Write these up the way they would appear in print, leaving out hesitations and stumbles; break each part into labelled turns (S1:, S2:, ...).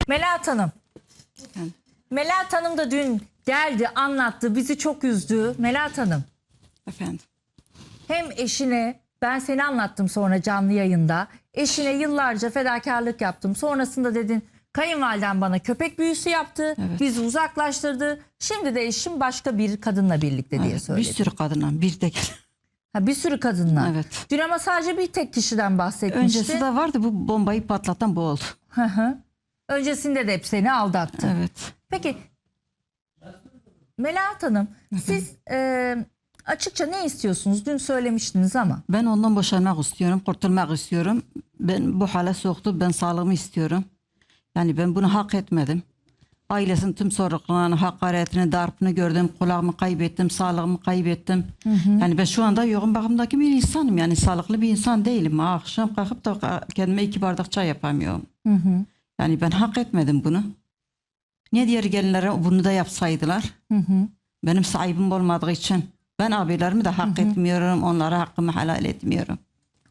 S1: Melahat Hanım.
S2: Efendim?
S1: Melahat Hanım da dün geldi, anlattı, bizi çok üzdü. Melahat Hanım,
S2: Efendim.
S1: hem eşine, ben seni anlattım sonra canlı yayında, eşine yıllarca fedakarlık yaptım. Sonrasında dedin kayınvaliden bana köpek büyüsü yaptı,
S2: Evet.
S1: bizi uzaklaştırdı. Şimdi de eşim başka bir kadınla birlikte diye
S2: Evet,
S1: söyledi.
S2: bir sürü kadınla bir de
S1: Ha, bir sürü kadınla.
S2: Evet.
S1: Dün ama sadece bir tek kişiden bahsetmişti.
S2: öncesi de vardı, bu bombayı patlatan bu oldu.
S1: Hı hı. Öncesinde de hep seni aldattı.
S2: Evet.
S1: Peki Melahat Hanım, siz açıkça ne istiyorsunuz? Dün söylemiştiniz ama.
S2: Ben ondan boşanmak istiyorum, kurtulmak istiyorum. Ben bu hale soktu, ben sağlığımı istiyorum. Yani ben bunu hak etmedim. Ailesinin tüm sorumluluğunu, hakaretini, darpını gördüm. Kulağımı kaybettim, sağlığımı kaybettim. Yani ben şu anda yoğun bakımdaki bir insanım. Yani sağlıklı bir insan değilim. Akşam kalkıp da kendime 2 bardak çay yapamıyorum. Yani ben hak etmedim bunu. Niye diğer gelinlere bunu da yapsaydılar? Benim sahibim olmadığı için. Ben abilerimi de hak etmiyorum. Onlara hakkımı helal etmiyorum.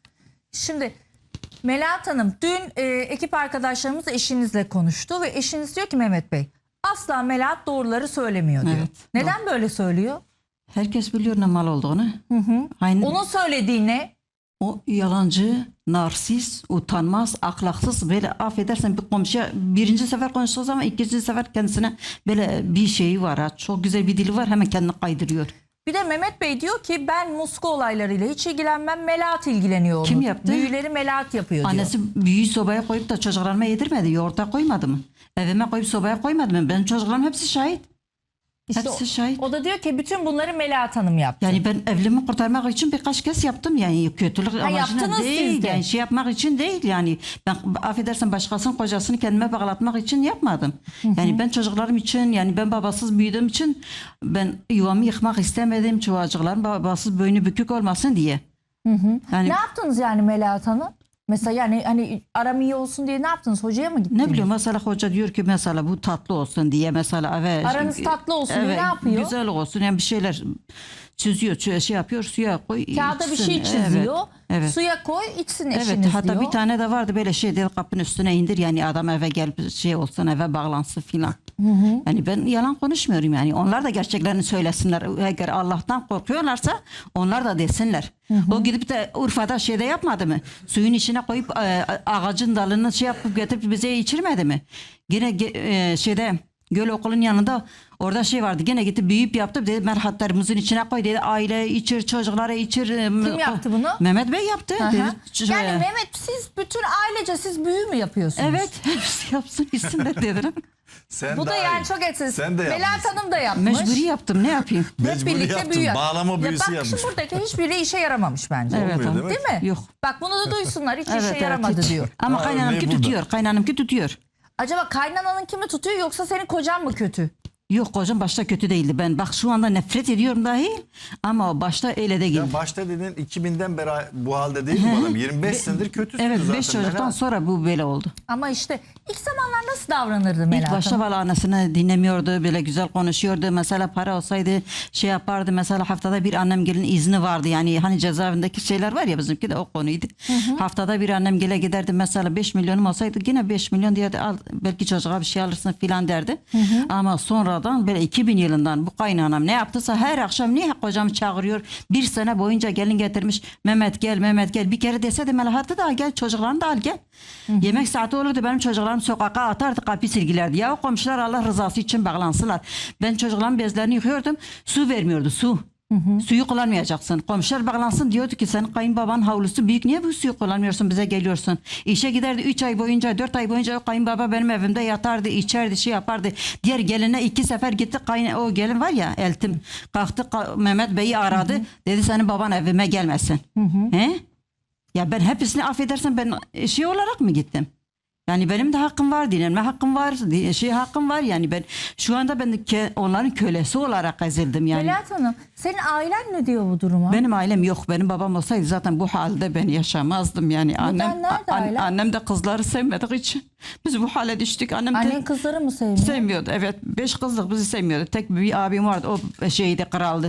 S1: Şimdi Melahat Hanım, dün ekip arkadaşlarımız eşinizle konuştu ve eşiniz diyor ki Mehmet Bey, asla Melahat doğruları söylemiyor diyor.
S2: Evet,
S1: Neden böyle söylüyor?
S2: Herkes biliyor ne mal olduğunu. Aynı
S1: Onun söylediği ne?
S2: o yalancı, narsist, utanmaz, ahlaksız, böyle affedersen bir komşuya birinci sefer konuştuğu zaman ikinci sefer kendisine böyle bir şeyi var. Ha. Çok güzel bir dili var, hemen kendini kaydırıyor.
S1: Bir de Mehmet Bey diyor ki ben muska olaylarıyla hiç ilgilenmem, Melahat ilgileniyor.
S2: Kim
S1: onu.
S2: yaptı?
S1: Büyüleri Melahat yapıyor diyor.
S2: Annesi büyüğü sobaya koyup da çocuklarıma yedirmedi, yoğurta koymadı mı? Evime koyup sobaya koymadı mı? Benim çocuklarım hepsi şahit.
S1: İşte
S2: Hepsi şahit.
S1: o da diyor ki bütün bunları Melahat Hanım yaptı.
S2: Yani ben evliliğimi kurtarmak için birkaç kez yaptım, yani kötülük amacına
S1: yaptınız
S2: değil,
S1: siz de.
S2: yani şey yapmak için değil, yani ben affedersen başkasının kocasını kendime bağlatmak için yapmadım. Yani ben çocuklarım için, yani ben babasız büyüdüğüm için ben yuvamı yıkmak istemedim, çocuklarım babasız boynu bükük olmasın diye. Yani
S1: Ne yaptınız yani Melahat Hanım? Mesela yani hani aram iyi olsun diye ne yaptınız? Hocaya mı gittiniz?
S2: ne bileyim, mesela hoca diyor ki mesela bu tatlı olsun diye, mesela evet,
S1: Aranız tatlı olsun diye
S2: evet,
S1: ne yapıyor?
S2: güzel olsun, yani bir şeyler çiziyor, şey yapıyor, suya koy,
S1: Kağıda bir
S2: içsin.
S1: şey çiziyor.
S2: Evet, evet.
S1: Suya koy içsin
S2: Evet,
S1: eşiniz
S2: hatta
S1: diyor.
S2: bir tane de vardı böyle şey dedi, kapının üstüne indir, yani adam eve gelip şey olsun, eve bağlansın filan. Yani ben yalan konuşmuyorum, yani onlar da gerçeklerini söylesinler. Eğer Allah'tan korkuyorlarsa onlar da desinler. O gidip de Urfa'da şeyde yapmadı mı? Suyun içine koyup ağacın dalını şey yapıp getirip bize içirmedi mi? Yine şeyde göl okulun yanında orada şey vardı, gene gitti büyüyüp yaptı dedi, merhatlarımızın içine koy dedi, aile içir, çocuklara içir.
S1: Kim yaptı bunu?
S2: Mehmet Bey yaptı.
S1: Aha.
S2: Dedi,
S1: Yani Mehmet, siz bütün ailece siz büyü mü yapıyorsunuz?
S2: evet, hepsi yapsın gitsin de dedim.
S3: Sen
S1: Bu da
S3: daha
S1: yani
S3: iyi.
S1: çok etsiz.
S3: Sen de
S1: Melahat
S3: yapmışsın.
S1: Hanım da yapmış.
S2: Mecburi yaptım, ne yapayım?
S1: Hep
S3: Mecburi
S1: birlikte
S3: yaptın.
S1: büyü.
S3: Bağlama büyüsü
S1: bak,
S3: yapmış.
S1: Şimdi buradaki hiçbiri işe yaramamış bence.
S2: Evet,
S3: Olmuyor
S2: abi.
S3: demek.
S1: Değil mi?
S2: Yok.
S1: Bak bunu da duysunlar. Hiç
S2: Evet,
S1: işe
S2: evet,
S1: yaramadı
S2: hiç.
S1: diyor.
S2: Ama
S3: Ha,
S2: kaynanamki
S3: örneği burada.
S2: tutuyor, kaynanamki tutuyor.
S1: Acaba kaynananın kimi tutuyor yoksa senin kocan mı kötü?
S2: Yok, kocam başta kötü değildi. Ben bak şu anda nefret ediyorum dahi, ama o başta öyle de
S3: Ya başta dedin 2000'den beri bu halde değil mi bu adam? 25 senedir kötüsün
S2: Evet,
S3: zaten.
S2: 5 çocuktan
S3: Melahat.
S2: sonra bu böyle oldu.
S1: Ama işte ilk zamanlar nasıl davranırdı Melahat
S2: İlk başta
S1: Hanım?
S2: valla annesini dinlemiyordu, böyle güzel konuşuyordu. Mesela para olsaydı şey yapardı. Mesela haftada bir annem gelin izni vardı. Yani hani cezaevindeki şeyler var ya, bizimki de o konuydu. Haftada bir annem gele giderdi. Mesela 5 milyonum olsaydı yine 5 milyon diye de al, belki çocuğa bir şey alırsın filan derdi. Ama sonradan böyle 2000 yılından bu kaynanam ne yaptıysa her akşam niye kocam çağırıyor. Bir sene boyunca gelin getirmiş. Mehmet gel, Mehmet gel. Bir kere dese de Melahat'ı da al gel, çocuklarını da al gel. Yemek saati olurdu, benim çocuklarım sokağa atardı, kapıyı silgilerdi. Ya o komşular Allah rızası için bağlansınlar. Ben çocukların bezlerini yıkıyordum. Su vermiyordu, su. Suyu kullanmayacaksın. Komşular bağlansın, diyordu ki senin kayınbaban havlusu büyük, niye bu suyu kullanmıyorsun, bize geliyorsun. İşe giderdi 3 ay boyunca, 4 ay boyunca o kayınbaba benim evimde yatardı, içerdi, şey yapardı. Diğer geline 2 sefer gitti, o gelin var ya Eltim, kalktı Mehmet Bey'i aradı. Dedi senin baban evime gelmesin. He? Ya ben hepsini affedersen ben şey olarak mı gittim? Yani benim de hakkım var, dinlenme hakkım var, şey hakkım var, yani ben şu anda ben de onların kölesi olarak ezildim yani.
S1: Melahat Hanım, senin ailen ne diyor bu duruma?
S2: Benim ailem yok. Benim babam olsaydı zaten bu halde ben yaşamazdım yani.
S1: nerede ailen?
S2: Annem de kızları sevmediği için biz bu hale düştük. Annem de
S1: Annen kızları mı sevmiyor?
S2: sevmiyordu. Evet, 5 kızlık bizi sevmiyordu. Tek bir abim vardı. O şeydi, kraldı.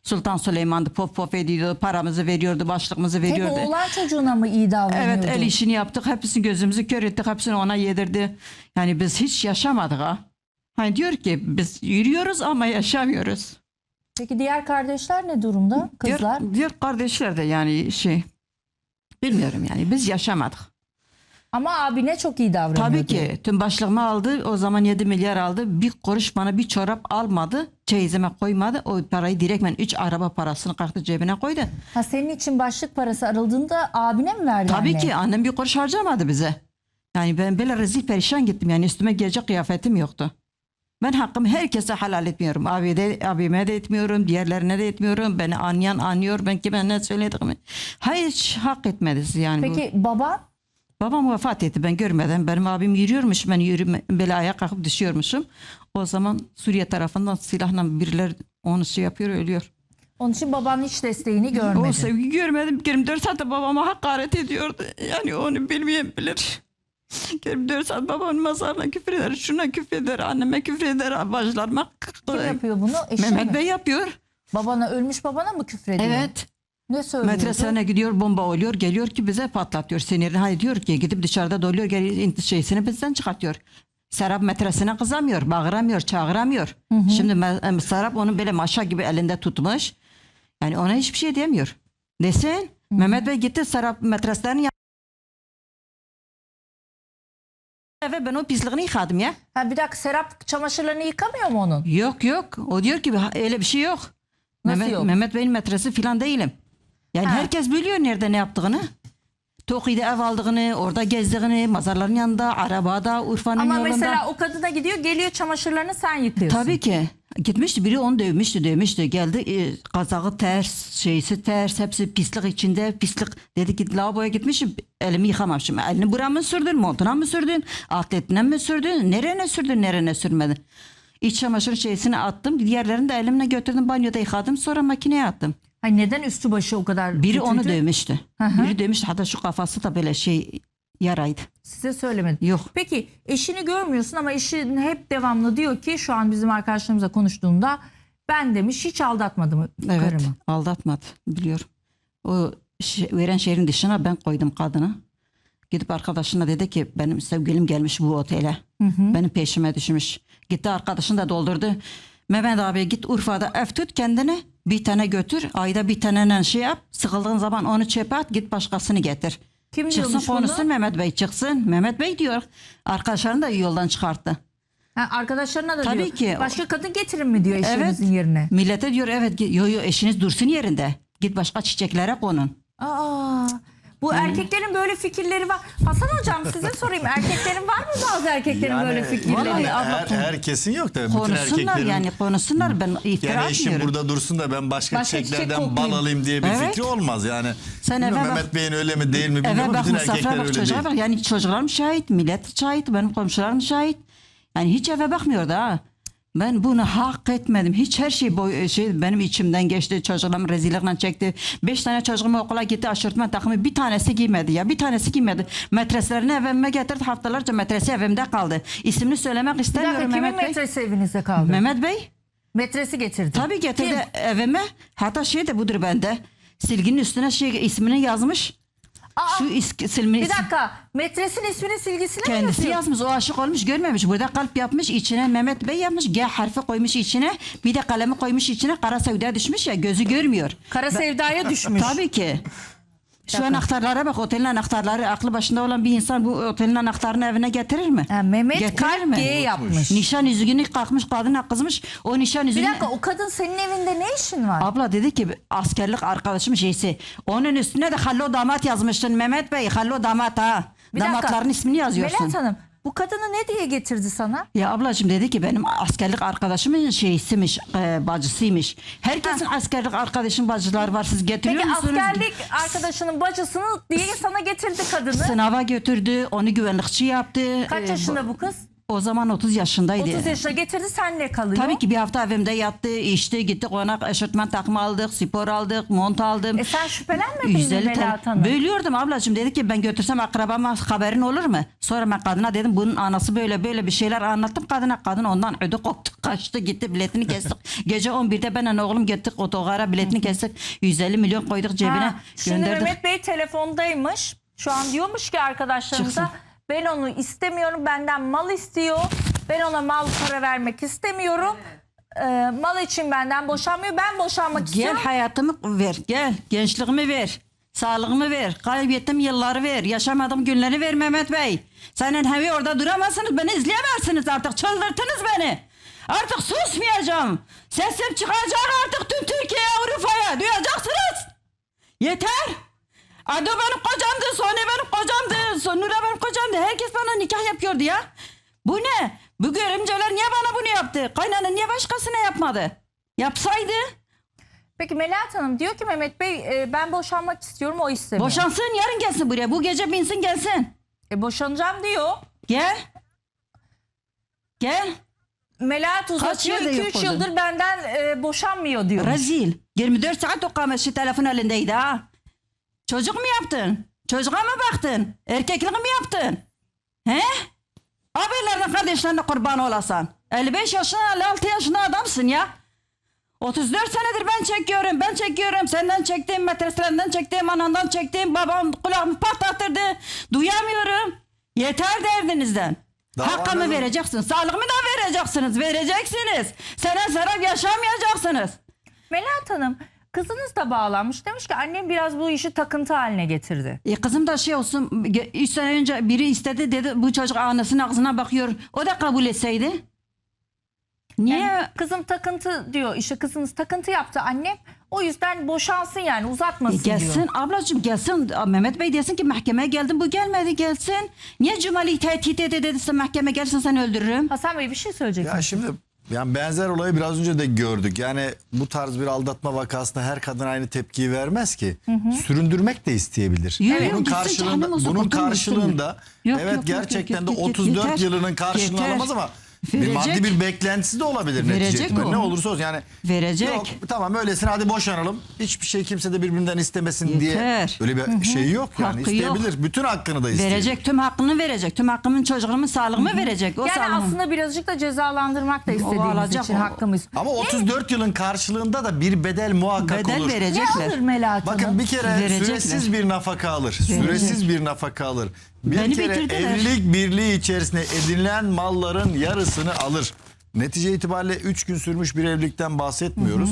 S2: Sultan Süleyman'dı, pop pop ediyordu, paramızı veriyordu, başlığımızı
S1: Hep
S2: veriyordu.
S1: oğlan çocuğuna mı iyi davranıyordu?
S2: Evet, el işini yaptık, hepsini gözümüzü kör ettik, hepsini ona yedirdi. Yani biz hiç yaşamadık ha. Hani diyor ki biz yürüyoruz ama yaşamıyoruz.
S1: Peki diğer kardeşler ne durumda? Kızlar?
S2: Diğer kardeşler de yani bilmiyorum yani biz yaşamadık.
S1: Ama abine çok iyi davranıyordu.
S2: Tabii ki tüm başlığımı aldı, o zaman 7 milyar aldı, bir kuruş bana bir çorap almadı, çeyizime koymadı, o parayı direktmen 3 araba parasını kalktı cebine koydu.
S1: Ha, senin için başlık parası arıldığında abine mi verdi
S2: Tabii
S1: anne?
S2: ki annem bir kuruş harcamadı bize. Yani ben böyle rezil perişan gittim, yani üstüme giyecek kıyafetim yoktu. Ben hakkımı herkese helal etmiyorum. Abime de etmiyorum, diğerlerine de etmiyorum. Beni anlayan anlıyor, ben kime ne söylediğimi. Hiç hak etmediniz yani.
S1: Peki baban?
S2: Babam vefat etti, ben görmedim. Benim abim yürüyormuş, ben böyle ayağa kalkıp düşüyormuşum. O zaman Suriye tarafından silahla birileri onu yapıyor, ölüyor.
S1: Onun için baban hiç desteğini görmedi.
S2: O sevgi görmedim. 24 saat de babama hakaret ediyordu. Yani onu bilmeyen bilir. 24 saat babamın mezarına küfür eder, şuna küfür eder, anneme küfür eder, bacılarıma.
S1: Kim yapıyor bunu? Eşi
S2: Mehmet
S1: mi?
S2: Bey yapıyor.
S1: Babana, ölmüş babana mı küfrediyor?
S2: Evet.
S1: Ne söylüyordu?
S2: Metresine gidiyor, bomba oluyor, geliyor ki bize patlatıyor. Sinirini hayır diyor ki gidip dışarıda doluyor, şeysini bizden çıkartıyor. Serap metresine kızamıyor, bağıramıyor, çağıramıyor. Şimdi Serap onu böyle maşa gibi elinde tutmuş. Yani ona hiçbir şey demiyor. Desin. Mehmet Bey gitti Serap metreslerini eve ben o pisliğini yıkadım ya.
S1: Ha, bir dakika, Serap çamaşırlarını yıkamıyor mu onun?
S2: Yok. O diyor ki öyle bir şey yok.
S1: Nasıl yok?
S2: Mehmet Bey'in metresi falan değilim. Yani
S1: Ha.
S2: herkes biliyor nerede ne yaptığını. Toki'de ev aldığını, orada gezdiğini, mazarların yanında, arabada, Urfa'nın
S1: Ama
S2: yolunda.
S1: mesela o kadına gidiyor, geliyor, çamaşırlarını sen yıkıyorsun.
S2: Tabii ki. Gitmişti biri onu dövmüştü. Geldi kazağı ters, şeysi ters, hepsi pislik içinde, pislik. Dedi ki lavaboya gitmişim, elimi yıkamamışım. Elini buraya mı sürdün, montuna mı sürdün, atletine mi sürdün, nerene sürmedin. İç çamaşır şeysini attım, diğerlerini de elimle götürdüm, banyoda yıkadım, sonra makineye attım.
S1: Ay, neden üstü başı o kadar
S2: Biri
S1: kötüydü?
S2: onu dövmüştü.
S1: hı.
S2: Biri dövmüştü, hatta şu kafası da böyle yaraydı.
S1: Size söylemedi.
S2: Yok.
S1: Peki eşini görmüyorsun ama eşin hep devamlı diyor ki, şu an bizim arkadaşlarımızla konuştuğunda, ben demiş hiç aldatmadım
S2: Evet,
S1: karımı.
S2: aldatmadı, biliyorum. O veren şehrin dışına ben koydum kadını. Gidip arkadaşına dedi ki benim sevgilim gelmiş bu otele. Benim peşime düşmüş. Gitti arkadaşını da doldurdu. Mehmet abi git Urfa'da ev tut kendine. Bir tane götür. Ayda bir tane yap. Sıkıldığın zaman onu çöpe at. Git başkasını getir.
S1: Kim
S2: Çıksın
S1: diyormuş
S2: konuşsun
S1: bunu?
S2: Mehmet Bey çıksın. Mehmet Bey diyor. Arkadaşlarını da yoldan çıkarttı.
S1: Ha, arkadaşlarına da
S2: Tabii
S1: diyor.
S2: ki.
S1: Başka kadın getirin mi diyor eşinizin yerine.
S2: Millete diyor evet yo eşiniz dursun yerinde. Git başka çiçeklere konun.
S1: Aa, bu erkeklerin böyle fikirleri var. Hasan hocam, size sorayım. Erkeklerin var mı, bazı erkeklerin böyle fikirleri?
S2: Vallahi
S3: herkesin yok tabii. Bütün
S2: Konuşsunlar
S3: erkeklerin.
S2: yani konuşsunlar. Ben iftira
S3: Yani eşim
S2: atmıyorum.
S3: burada dursun da ben başka
S1: Başka çiçek
S3: çiçeklerden bal
S1: koklayayım.
S3: alayım diye bir
S2: Evet.
S3: fikri olmaz yani.
S2: Sen
S3: Bilmiyorum,
S2: eve bak.
S3: Mehmet Bey'in öyle mi değil mi
S2: Eve
S3: bilmiyorum.
S2: bak,
S3: Bütün
S2: Mustafa
S3: erkekler
S2: bak,
S3: öyle
S2: çocuğa
S3: değil.
S2: bak. Yani çocuklarım şahit, millet şahit, benim komşularım şahit. Yani hiç eve bakmıyordu ha. Ben bunu hak etmedim. Hiç her şey benim içimden geçti. Çocuklarım rezillikle çekti. 5 tane çocuğum okula gitti. Aşırtma takımı bir tanesi giymedi ya. Bir tanesi giymedi. Metreslerini evime getirdi. Haftalarca metresi evimde kaldı. İsmini söylemek
S1: Bir dakika,
S2: istemiyorum
S1: kimin
S2: Mehmet Bey.
S1: metresi evinizde kaldı?
S2: Mehmet Bey.
S1: Metresi getirdi.
S2: Tabii getirdi
S1: Kim?
S2: evime. Hatta de budur bende. Silginin üstüne ismini yazmış.
S1: Aa,
S2: Şu
S1: bir dakika, metresin ismini silgisine mi
S2: Kendisi
S1: yazıyor?
S2: yazmış, o aşık olmuş, görmemiş. Burada kalp yapmış, içine Mehmet Bey yapmış. G harfi koymuş içine. Bir de kalemi koymuş içine. Kara sevda düşmüş ya, gözü görmüyor.
S1: Kara sevdaya düşmüş.
S2: Tabii ki. Şu anahtarlara bak, otelin anahtarları. Aklı başında olan bir insan bu otelin anahtarını evine getirir mi?
S1: Ha, Mehmet
S2: Getirir
S1: kalp
S2: mi?
S1: G yapmış.
S2: Nişan yüzüğünü kalkmış, kadına kızmış. O nişan
S1: Bir
S2: yüzüğünü...
S1: dakika, o kadın senin evinde ne işin var?
S2: Abla dedi ki askerlik arkadaşım şeysi. Onun üstüne de Hallo damat yazmıştın Mehmet Bey. Hallo damat ha.
S1: Bir dakika.
S2: Damatların ismini yazıyorsun.
S1: Melahat Hanım, bu kadını ne diye getirdi sana?
S2: Ya ablacığım dedi ki benim askerlik arkadaşımın şeysiymiş, bacısıymış. Herkesin askerlik arkadaşın bacıları var. Siz getiriyor
S1: Peki
S2: musunuz?
S1: askerlik arkadaşının bacısını diye sana getirdi kadını.
S2: Sınava götürdü, onu güvenlikçi yaptı.
S1: Kaç yaşında bu kız?
S2: O zaman 30 yaşındaydı.
S1: 30 yaşına getirdi, senle kalıyor.
S2: Tabii ki bir hafta evimde yattı, içti, gittik ona eşortman takımı aldık, spor aldık, mont aldım.
S1: Sen şüphelenmedin mi
S2: 150
S1: Melahat Hanım?
S2: Bölüyordum ablacığım, dedi ki ben götürsem akrabama haberin olur mu? Sonra ben kadına dedim bunun anası böyle böyle bir şeyler anlattım kadına. Kadın ondan ödü koptu, kaçtı gitti, biletini kestik. Gece 11'de benle oğlum gittik otogara, biletini kestik. 150 milyon koyduk cebine,
S1: Ha, şimdi
S2: gönderdik.
S1: Mehmet Bey telefondaymış. Şu an diyormuş ki arkadaşlarımıza,
S2: Çıksın.
S1: ben onu istemiyorum, benden mal istiyor. Ben ona mal para vermek istemiyorum. Mal için benden boşanmıyor. Ben boşanmak
S2: Gel
S1: istiyorum.
S2: hayatımı ver, gel gençliğimi ver, sağlığımı ver, kaybettiğim yılları ver, yaşamadığım günleri ver Mehmet Bey. Senin hevi orada duramazsınız, beni izleyemezsiniz artık, çıldırttınız beni. Artık susmayacağım. Sesim çıkacak artık tüm Türkiye'ye, Avrupa'ya, duyacaksınız. Yeter. Ado benim kocamdı, Sone benim kocamdı, Sonura benim kocamdı. Herkes bana nikah yapıyordu ya. Bu ne? Bu görümceler niye bana bunu yaptı? Kaynana niye başkasına yapmadı? Yapsaydı.
S1: Peki Melahat Hanım diyor ki Mehmet Bey ben boşanmak istiyorum, o istemiyor.
S2: Boşansın, yarın gelsin buraya. Bu gece binsin gelsin.
S1: Boşanacağım diyor.
S2: Gel. Gel.
S1: Melahat uzatıyor,
S2: yılda yok
S1: 2-3
S2: oldu?
S1: yıldır benden boşanmıyor diyor.
S2: Rezil. 24 saat o kameşi telefon elindeydi ha. Çocuk mu yaptın? Çocuğa mı baktın? Erkeklik mi yaptın? He? Abilerine kardeşlerine kurban olasan. 55 yaşında 56 yaşında adamsın ya. 34 senedir ben çekiyorum. Senden çektiğim, metreslerinden çektiğim, anandan çektiğim, babam kulağımı patlattırdı. Duyamıyorum. Yeter derdinizden.
S3: Davanın-
S2: Hakkımı vereceksiniz. Sağlığımı da vereceksiniz. Sene serap yaşamayacaksınız.
S1: Melahat Hanım, kızınız da bağlanmış. Demiş ki annem biraz bu işi takıntı haline getirdi.
S2: Kızım da şey olsun, 3 sene önce biri istedi dedi bu çocuk anasının ağzına bakıyor. O da kabul etseydi. Niye?
S1: Yani kızım takıntı diyor. İşte kızınız takıntı yaptı annem. O yüzden boşansın, yani uzatmasın diyor.
S2: Gelsin ablacığım gelsin. Mehmet Bey desin ki mahkemeye geldim, bu gelmedi, gelsin. Niye Cumali tehdit dediyse mahkeme gelsin seni öldürürüm.
S1: Hasan Bey bir şey söyleyeceksin.
S3: Ya şimdi yani benzer olayı biraz önce de gördük. Yani bu tarz bir aldatma vakasında her kadın aynı tepkiyi vermez ki. Süründürmek de isteyebilir.
S2: Yok,
S3: Bunun
S2: yok, gitsin,
S3: karşılığında,
S2: cehennem olsun,
S3: bunun
S2: kurtulun,
S3: karşılığında
S2: Yok,
S3: evet
S2: yok,
S3: gerçekten
S2: yok,
S3: de
S2: yok,
S3: 34
S2: yeter.
S3: yılının karşılığını
S2: Yeter.
S3: alamaz ama bir
S2: Verecek.
S3: maddi bir beklentisi de olabilir
S2: Verecek
S3: netice itibariyle.
S2: o.
S3: Ne olursa olsun yani.
S2: Verecek.
S3: Yok tamam öylesine hadi boşanalım. Hiçbir şey kimse de birbirinden istemesin diye.
S2: Yeter.
S3: Öyle bir şey yok yani.
S2: Hakkı yok.
S3: İsteyebilir. Bütün hakkını da isteyebilir.
S2: Verecek, tüm hakkını verecek. Tüm hakkımın çocuğumun sağlığımı verecek. O
S1: Yani
S2: sağlığımı.
S1: aslında birazcık da cezalandırmak da istediğimiz
S2: alacak,
S1: için
S2: o-
S1: hakkımız.
S3: Ama 34 yılın karşılığında da bir bedel muhakkak
S2: Bedel
S3: olur.
S1: Ne
S2: verecekler.
S1: alır Melahat Hanım?
S3: Bakın bir kere
S2: Verecekler.
S3: süresiz bir nafaka alır. Süresiz bir nafaka alır. Bir
S2: Beni
S3: kere
S2: bitirdiler.
S3: evlilik birliği içerisinde edinilen malların yarısını alır. Netice itibariyle 3 gün sürmüş bir evlilikten bahsetmiyoruz.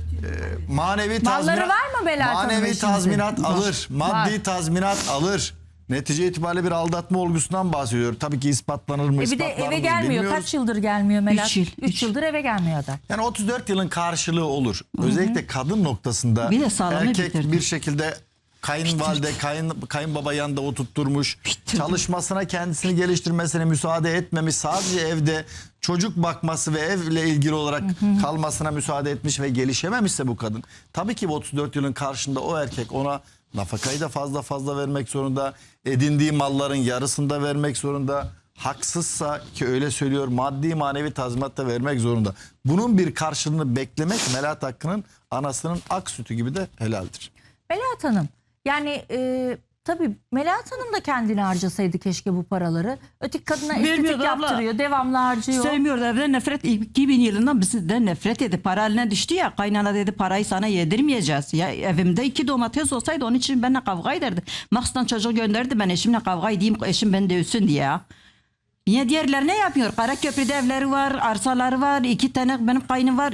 S3: Manevi
S1: Malları
S3: tazminat,
S1: var mı Melahat Hanım
S3: manevi
S1: eşinizin?
S3: tazminat
S1: Var.
S3: alır. Maddi
S1: Var.
S3: tazminat alır. Netice itibariyle bir aldatma olgusundan bahsediyor. Tabii ki ispatlanır mı,
S1: Bir de
S3: ispatlanır
S1: eve
S3: mı
S1: gelmiyor.
S3: bilmiyoruz.
S1: Kaç yıldır gelmiyor Melahat?
S2: 3 yıl.
S1: 3 yıldır eve gelmiyor adam.
S3: Yani 34 yılın karşılığı olur. Özellikle kadın noktasında
S2: Bir de sağlığını
S3: erkek
S2: bitirdi.
S3: bir şekilde kayınvalide, kayınbaba yanında oturtturmuş. Çalışmasına, kendisini geliştirmesine müsaade etmemiş. Sadece evde çocuk bakması ve evle ilgili olarak kalmasına müsaade etmiş ve gelişememişse bu kadın. Tabii ki bu 34 yılın karşında o erkek ona nafakayı da fazla vermek zorunda. Edindiği malların yarısını da vermek zorunda. Haksızsa ki öyle söylüyor maddi manevi tazminat da vermek zorunda. Bunun bir karşılığını beklemek Melahat Hakkı'nın anasının ak sütü gibi de helaldir.
S1: Melahat Hanım, yani tabii Melahat Hanım da kendini harcasaydı keşke bu paraları. Öteki kadına estetik
S2: Vermiyordu abla.
S1: yaptırıyor, devamlı harcıyor.
S2: Sevmiyordu, evden nefret, 2000 yılından bizden nefret etti. Para eline düştü ya, kaynana dedi parayı sana yedirmeyeceğiz. Ya evimde 2 domates olsaydı onun için benimle kavga ederdi. Maksdan çocuk gönderdi, ben eşimle kavga edeyim, eşim beni dövsün diye ya. Niye diğerler ne yapıyor? Karaköprü'de evleri var, arsaları var, 2 tane benim kaynım var,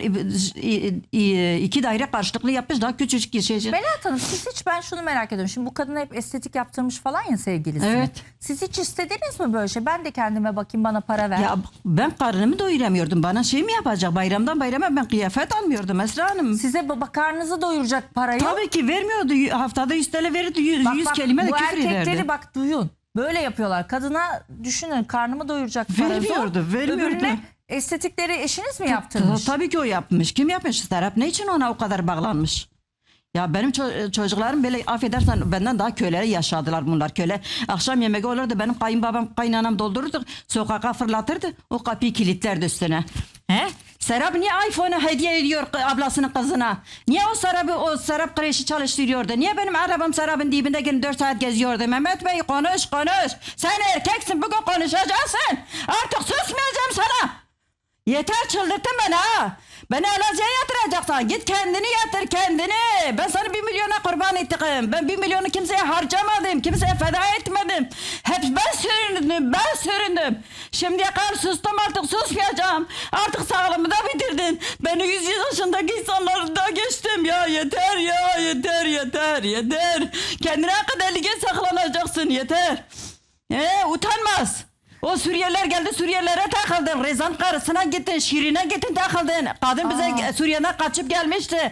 S2: 2 daire karşılıklı yapmış, daha küçücük bir şey.
S1: Melahat Hanım, siz hiç, ben şunu merak ediyorum. Şimdi bu kadına hep estetik yaptırmış falan ya sevgilisi.
S2: Evet.
S1: Siz hiç istediniz mi böyle şey? Ben de kendime bakayım, bana para ver.
S2: Ya ben karnımı doyuramıyordum. Bana şey mi yapacak? Bayramdan bayrama ben kıyafet almıyordum Esra Hanım.
S1: Size karnınızı doyuracak parayı.
S2: Tabii ki vermiyordu. Haftada 100 TL verirdi. 100 kelime de
S1: bu
S2: küfür
S1: erkekleri
S2: ederdi.
S1: bak duyun. Böyle yapıyorlar. Kadına düşünün, karnımı doyuracak para
S2: Vermiyordu,
S1: zor.
S2: vermiyordu.
S1: Öbürüne estetikleri eşiniz mi yaptırmış?
S2: Tabii ki o yapmış. Kim yapmış? Serap ne için ona o kadar bağlanmış? Ya benim çocuklarım böyle affedersen benden daha köleleri yaşadılar bunlar. Köle akşam yemeği olurdu, benim kayınbabam kaynanam doldururdu, sokağa fırlatırdı, o kapıyı kilitlerdi üstüne. He? Serap niye iPhone'u hediye ediyor ablasının kızına? Niye o Serap kreşi çalıştırıyordu? Niye benim arabam Serap'ın dibinde gelin 4 saat geziyordu? Mehmet Bey konuş. Sen erkeksin, bugün konuşacaksın. Artık susmayacağım sana. Yeter, çıldırttın beni ha. Beni Elazığ'a yatıracaksan git kendini yatır kendini. Ben sana 1 milyona kurban ettim. Ben 1 milyonu kimseye harcamadım. Kimseye feda etmedim. Hep ben süründüm. Şimdiye kadar sustum, artık susmayacağım. Artık sağlığımı da bitirdin. Beni 100 yaşındaki insanları da geçtim ya. Yeter ya, yeter. Kendine kadar lige saklanacaksın, yeter. Utanmaz. O Suriyeliler geldi, Suriyelilere takıldın. Rezan karısına gittin, Şirin'e gittin takıldın. Kadın bize Suriye'den kaçıp gelmişti.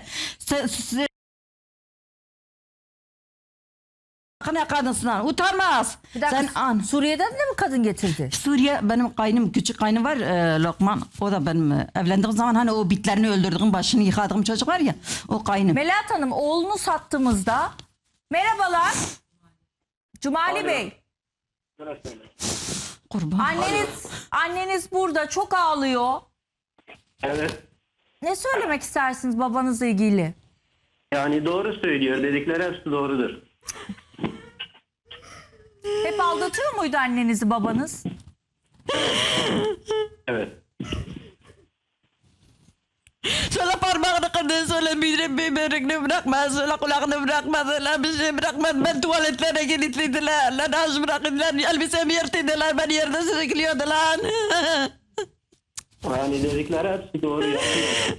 S2: Ne kadınsın? Utanmaz.
S1: Bir dakika,
S2: Sen an.
S1: Suriye'den de mi kadın getirdi?
S2: Suriye benim kaynım, küçük kaynım var Lokman. O da benim evlendiğim zaman hani o bitlerini öldürdüğüm, başını yıkadığım çocuk var ya, o kaynım.
S1: Melahat Hanım, oğlunu sattığımızda merhabalar Cumali Bey.
S2: Kurban.
S1: Anneniz burada çok ağlıyor.
S4: Evet.
S1: Ne söylemek istersiniz babanızla ilgili?
S4: Yani doğru söylüyor. Dedikleri hepsi doğrudur.
S1: Hep aldatıyor muydu annenizi babanız?
S4: Evet.
S2: Söyle parmağını kırdın, söyle böbrekini bırakma, söyle kulağını bırakma, söyle bir şey bırakma. Ben tuvaletlere kilitliydiler, lan aç bıraktılar, elbisemi yırttılar, ben yerde sürüklüyordu lan.
S4: Yani dedikleri hepsi doğru yapıyor.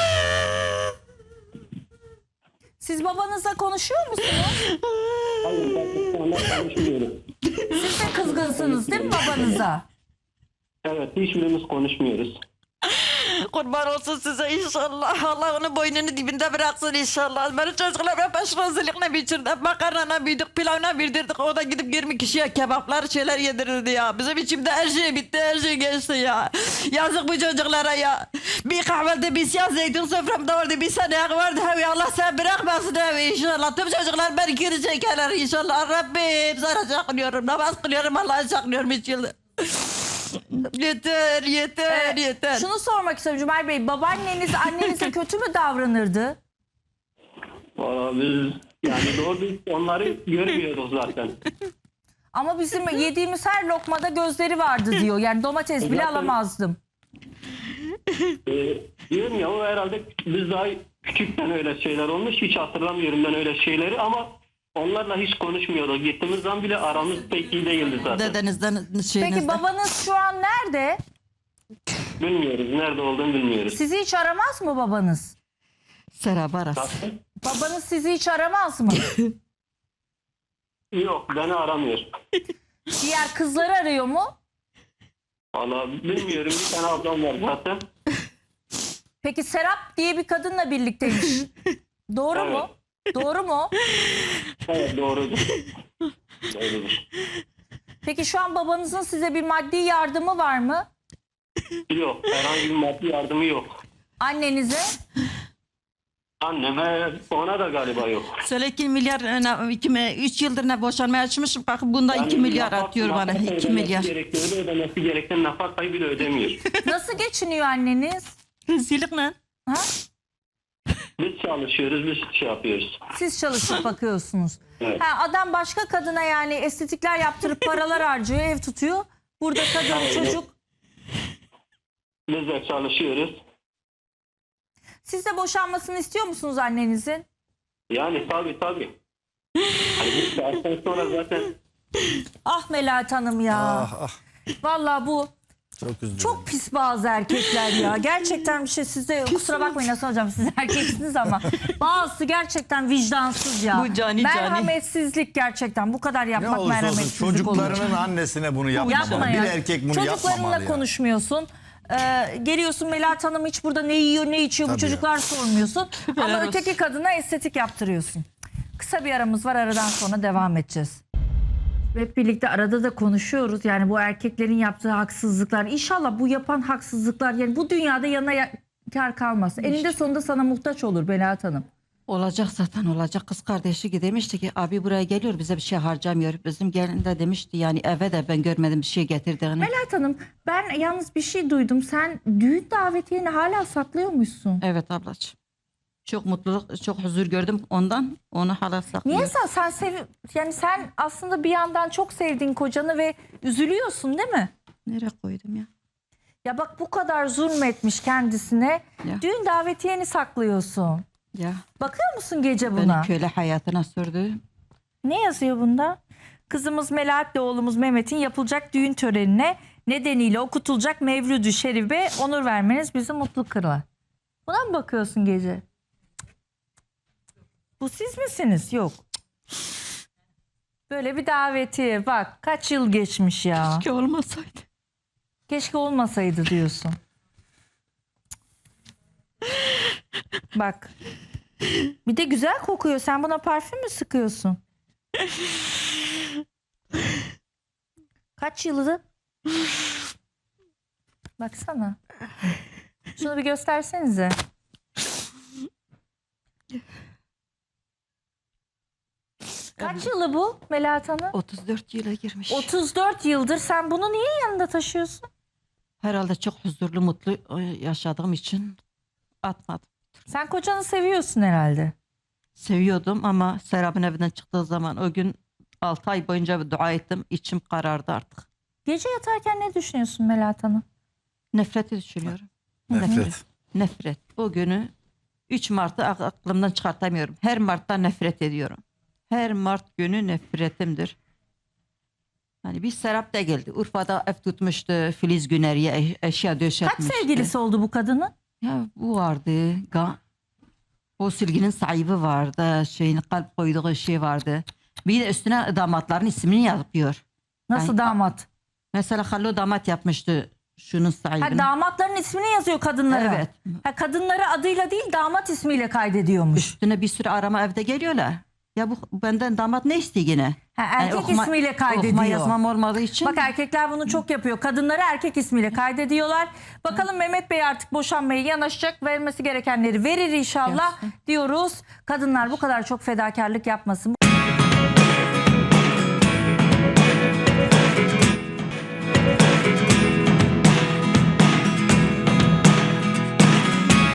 S1: Siz babanızla konuşuyor musunuz?
S4: Hayır, ben onunla konuşmuyorum.
S1: Siz de kızgınsınız değil mi babanıza?
S4: Evet, hiçbirimiz konuşmuyoruz.
S2: Kurban olsun size inşallah. Allah onun boynunu dibinde bıraksın inşallah. Benim çocuklar hep aşırı biçirdi. Makarnana büyüdük, pilavına bildirdik. O da gidip 20 kişiye kebaplar şeyler yedirirdi ya. Bizim içimde her şey bitti, her şey geçti ya. Yazık bu çocuklara ya. Bir kahvaltı, bir siyah zeytin soframda vardı, bir sene vardı. Hevi Allah sen bırakmasın hevi inşallah. Tüm çocuklar beni geri çekerler inşallah. Rabbim sana saklıyorum, namaz kılıyorum, Allah'a saklıyorum 3 yıldır. Yeter.
S1: Şunu sormak istiyorum Cumali Bey. Babaanneniz annenize kötü mü davranırdı?
S4: Valla biz yani doğru biz onları görmüyoruz zaten.
S1: Ama bizim yediğimiz her lokmada gözleri vardı diyor. Yani domates bile
S4: Zaten-
S1: alamazdım.
S4: Diyorum ya, o herhalde biz daha küçükten öyle şeyler olmuş. Hiç hatırlamıyorum ben öyle şeyleri ama onlarla hiç konuşmuyorduk. Gittiğimiz zaman bile aramız pek iyi değildi zaten.
S2: Dedenizden şeyinizden.
S1: Peki babanız şu an nerede?
S4: Bilmiyoruz. Nerede olduğunu bilmiyoruz.
S1: Sizi hiç aramaz mı babanız?
S2: Serap arası.
S4: Zaten
S1: Babanız sizi hiç aramaz mı?
S4: yok, beni aramıyor.
S1: Diğer kızları arıyor mu?
S4: Valla bilmiyorum, bir tane ablam var zaten.
S1: Peki Serap diye bir kadınla birlikteymiş. Doğru mu? Doğru mu?
S4: Evet, doğrudur. Doğrudur.
S1: Peki şu an babanızın size bir maddi yardımı var mı?
S4: Yok, herhangi bir maddi yardımı yok.
S1: Annenize?
S4: Anneme, ona da galiba yok.
S2: Söyle 2 milyar, 3 yıldır ne boşanmaya açmışım. Bakın bunda 2 milyar atıyor bana. 2 milyar.
S4: Ödemesi gereken nafakayı bile ödemiyor.
S1: Nasıl geçiniyor anneniz?
S2: Rezillik lan.
S1: Ha?
S4: Biz çalışıyoruz, biz şey yapıyoruz.
S1: Siz çalışıp bakıyorsunuz.
S4: Evet.
S1: Ha, adam başka kadına yani estetikler yaptırıp paralar harcıyor, ev tutuyor. Burada kadın, çocuk.
S4: Biz de çalışıyoruz.
S1: Siz de boşanmasını istiyor musunuz annenizin?
S4: Yani tabii. Hani bu saatten sonra zaten
S1: Ah Melahat Hanım ya. Vallahi bu
S3: Çok üzüldüm.
S1: çok pis bazı erkekler ya. Gerçekten bir şey, siz de kusura bakmayın Hasan hocam, siz erkeksiniz ama bazısı gerçekten vicdansız ya.
S2: Bu cani.
S1: Merhametsizlik gerçekten. Bu kadar
S3: Ne
S1: yapmak
S3: olursa olsun
S1: merhametsizlik olur.
S3: çocuklarının annesine bunu yapmamalı.
S1: Yapma
S3: Bir
S1: ya.
S3: erkek bunu yapmamalı
S1: Çocuklarınla
S3: ya.
S1: konuşmuyorsun. Geliyorsun Melahat Hanım hiç burada ne yiyor ne içiyor bu
S3: Tabii
S1: çocuklar sormuyorsun. Ama
S2: Helal
S1: öteki kadına estetik yaptırıyorsun. Kısa bir aramız var, aradan sonra devam edeceğiz. Hep birlikte arada da konuşuyoruz. Yani bu erkeklerin yaptığı haksızlıklar. İnşallah bu yapan haksızlıklar yani bu dünyada yanına kar kalmaz. Eninde sonunda sana muhtaç olur Melahat Hanım.
S2: Olacak zaten olacak. Kız kardeşi demişti ki abi buraya geliyor bize bir şey harcamıyor. Bizim gelin de demişti yani eve de ben görmedim bir şey getirdiğini.
S1: Melahat Hanım, ben yalnız bir şey duydum. Sen düğün davetiyeni hala saklıyormuşsun.
S2: Evet ablacığım. Çok mutluluk, çok huzur gördüm ondan. Onu hala saklıyorum.
S1: Niye yani sen aslında bir yandan çok sevdiğin kocanı ve üzülüyorsun değil mi?
S2: Nereye koydum ya?
S1: Ya bak, bu kadar zulmetmiş kendisine.
S2: Ya.
S1: Düğün davetiyeni saklıyorsun.
S2: Ya
S1: Bakıyor musun gece
S2: beni
S1: buna?
S2: köle hayatına sürdü.
S1: Ne yazıyor bunda? Kızımız Melahat'le oğlumuz Mehmet'in yapılacak düğün törenine nedeniyle okutulacak Mevlüd-ü Şerif'e onur vermeniz bizi mutlu kılar. Buna mı bakıyorsun gece? Bu siz misiniz? Yok. Böyle bir davetiye bak, kaç yıl geçmiş ya.
S2: Ki olmasaydı.
S1: Keşke olmasaydı diyorsun. Bak. Bir de güzel kokuyor. Sen buna parfüm mü sıkıyorsun? Kaç yılı? Baksana. Şunu bir göstersenize. Kaç yılı bu Melahat Hanım?
S2: 34 yıla girmiş.
S1: 34 yıldır. Sen bunu niye yanında taşıyorsun?
S2: Herhalde çok huzurlu, mutlu yaşadığım için atmadım.
S1: Sen kocanı seviyorsun herhalde.
S2: Seviyordum ama Serap'ın evinden çıktığı zaman o gün 6 ay boyunca bir dua ettim. İçim karardı artık.
S1: Gece yatarken ne düşünüyorsun Melahat Hanım?
S2: Nefreti düşünüyorum.
S3: Nefret.
S2: Nefret. O günü 3 Mart'ı aklımdan çıkartamıyorum. Her Mart'tan nefret ediyorum. Her Mart günü nefretimdir. Hani bir Serap da geldi. Urfa'da ev tutmuştu. Filiz Güneri'ye eşya
S1: Kaç
S2: döşetmişti.
S1: sevgilisi oldu bu kadının?
S2: Ya bu vardı. O silginin sahibi vardı. Şeyin kalp koyduğu şey vardı. Bir de üstüne damatların ismini yapıyor.
S1: Nasıl
S2: Yani-
S1: damat?
S2: Mesela Hallo damat yapmıştı şunun sahibini.
S1: Ha, damatların ismini yazıyor kadınlara.
S2: Evet.
S1: Ha, kadınları adıyla değil damat ismiyle kaydediyormuş.
S2: Üstüne bir sürü arama evde geliyorlar. Ya bu benden damat ne istiyor yine?
S1: Ha, erkek ismiyle kaydediyor.
S2: Okuma yazmam olmadığı için.
S1: Bak, erkekler bunu çok yapıyor. Kadınları erkek ismiyle kaydediyorlar. Bakalım Mehmet Bey artık boşanmaya yanaşacak. Vermesi gerekenleri verir inşallah
S2: Yapsın.
S1: diyoruz. Kadınlar bu kadar çok fedakarlık yapmasın.